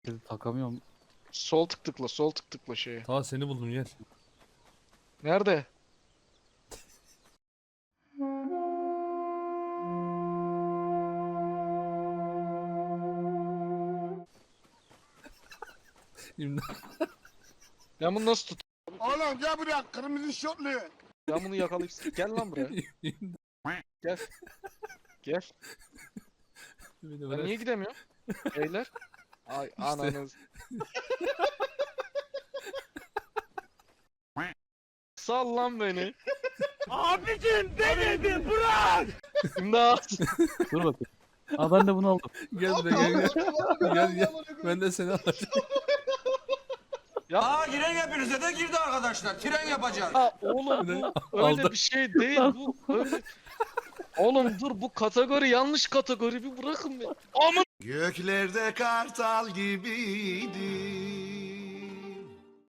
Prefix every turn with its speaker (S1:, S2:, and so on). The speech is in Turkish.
S1: Takamıyorum.
S2: Sol tık tıkla, sol tık tıkla şeye.
S3: Ta seni buldum gel.
S2: Nerede?
S3: İmdat.
S2: Ben bunu nasıl tut?
S4: Oğlum gel buraya kırmızı şortlu.
S2: Ben bunu yakalayıp... Gel lan buraya. Gel. Gel.
S3: Beni
S2: Ben
S3: bırak.
S2: niye gidemiyorum? Beyler. Ay ananız. Sal lan beni.
S4: Abicim beni bir bırak.
S2: İmdat.
S1: Dur bakayım. Aa ben de bunu aldım.
S3: Gel de gel. Gel gel. Ben de seni alacağım.
S5: Aa giren hepinize de girdi arkadaşlar. Tren yapacağız.
S2: Ya oğlum bu öyle
S3: Aldım.
S2: bir şey değil bu. Öyle... Oğlum dur bu kategori yanlış kategori bir bırakın beni. Aman
S4: Göklerde kartal gibiydi.